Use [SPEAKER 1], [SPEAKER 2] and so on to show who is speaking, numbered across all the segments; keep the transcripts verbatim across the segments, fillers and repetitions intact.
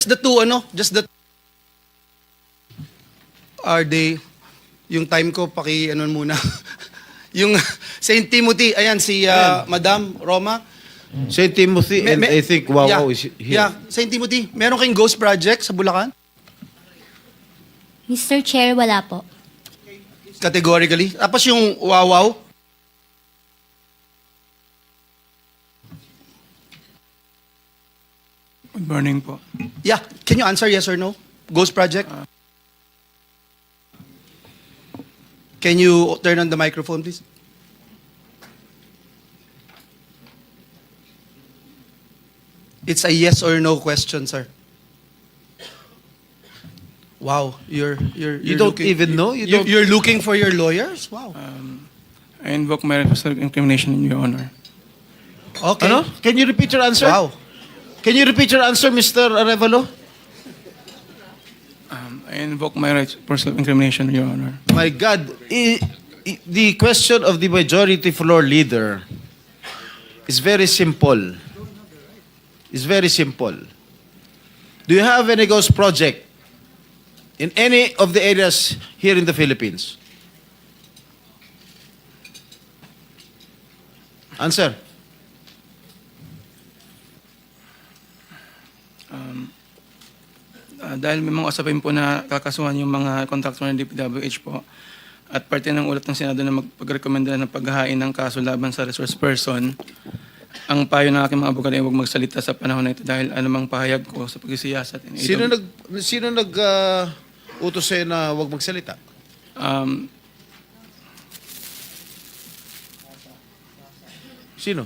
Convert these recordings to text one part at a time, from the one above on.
[SPEAKER 1] the two, ano, just the are they, yung time ko, paki, ano muna, yung Saint Timothy, ayan, si uh, Madam Roma.
[SPEAKER 2] Saint Timothy, and
[SPEAKER 1] Me- me-
[SPEAKER 2] I think Wow
[SPEAKER 1] yeah,
[SPEAKER 2] Wow is here.
[SPEAKER 1] Yeah, Saint Timothy, meron kayong ghost project sa Bulacan?
[SPEAKER 3] Mister Chair, wala po.
[SPEAKER 1] Categorically. Tapos yung Wow Wow,
[SPEAKER 4] Good morning po.
[SPEAKER 1] yeah, can you answer yes or no? Ghost project? Can you turn on the microphone, please? It's a yes or no question, sir. Wow, you're you're, you're
[SPEAKER 2] You don't
[SPEAKER 1] looking,
[SPEAKER 2] even know? You
[SPEAKER 1] You're,
[SPEAKER 2] don't-
[SPEAKER 1] you're looking for your lawyers? Wow.
[SPEAKER 4] I invoke my right to self-incrimination in your honor.
[SPEAKER 1] Okay.
[SPEAKER 2] Ano? Can you repeat your answer?
[SPEAKER 1] Wow.
[SPEAKER 2] Can you repeat your answer, Mister Arevalo?
[SPEAKER 4] Um, I invoke my right for self-incrimination in your honor.
[SPEAKER 2] My God, I, I, the question of the majority floor leader is very simple. It's very simple. Do you have any ghost project in any of the areas here in the Philippines? Answer.
[SPEAKER 4] Uh, dahil may mga usapin po na kakasuhan yung mga contractor ng D P W H po at parte ng ulat ng Senado na magpagrekomenda ng paghahain ng kaso laban sa resource person, ang payo ng aking mga abogado ay huwag magsalita sa panahon na ito dahil anumang pahayag ko sa pagsisiyasat.
[SPEAKER 2] Sino nag sino nag uh, utos sa'yo na huwag magsalita?
[SPEAKER 4] Um,
[SPEAKER 2] Sino?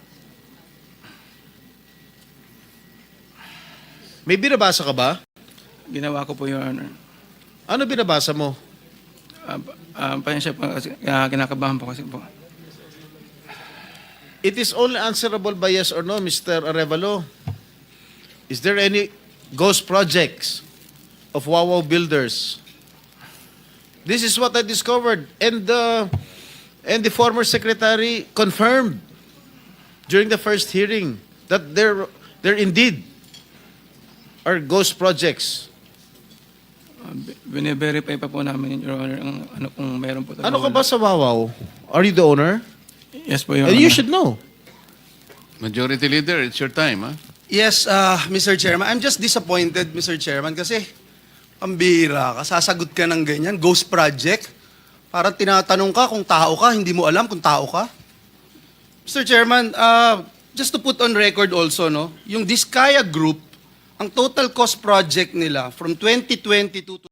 [SPEAKER 2] May binabasa ka ba?
[SPEAKER 4] ginawa ko po, Your Honor.
[SPEAKER 2] Ano binabasa mo?
[SPEAKER 4] Uh, uh, pasensya po kasi uh, kinakabahan po kasi po.
[SPEAKER 2] It is only answerable by yes or no, Mister Arevalo. Is there any ghost projects of Wawaw builders? This is what I discovered, and the and the former secretary confirmed during the first hearing that there there indeed are ghost projects.
[SPEAKER 4] Uh, bine-verify pa po namin, Your Honor, ang ano kung meron po.
[SPEAKER 2] Ano ka ba sa Wawaw? Are you the owner?
[SPEAKER 4] Yes po, Your
[SPEAKER 2] And
[SPEAKER 4] Honor.
[SPEAKER 2] you should know.
[SPEAKER 5] Majority Leader, it's your time, huh?
[SPEAKER 1] Yes, uh, Mister Chairman. I'm just disappointed, Mister Chairman, kasi pambira ka, sasagot ka ng ganyan, ghost project. Parang tinatanong ka kung tao ka, hindi mo alam kung tao ka. Mister Chairman, uh, just to put on record also, no, yung Diskaya Group, ang total cost project nila from twenty twenty-two to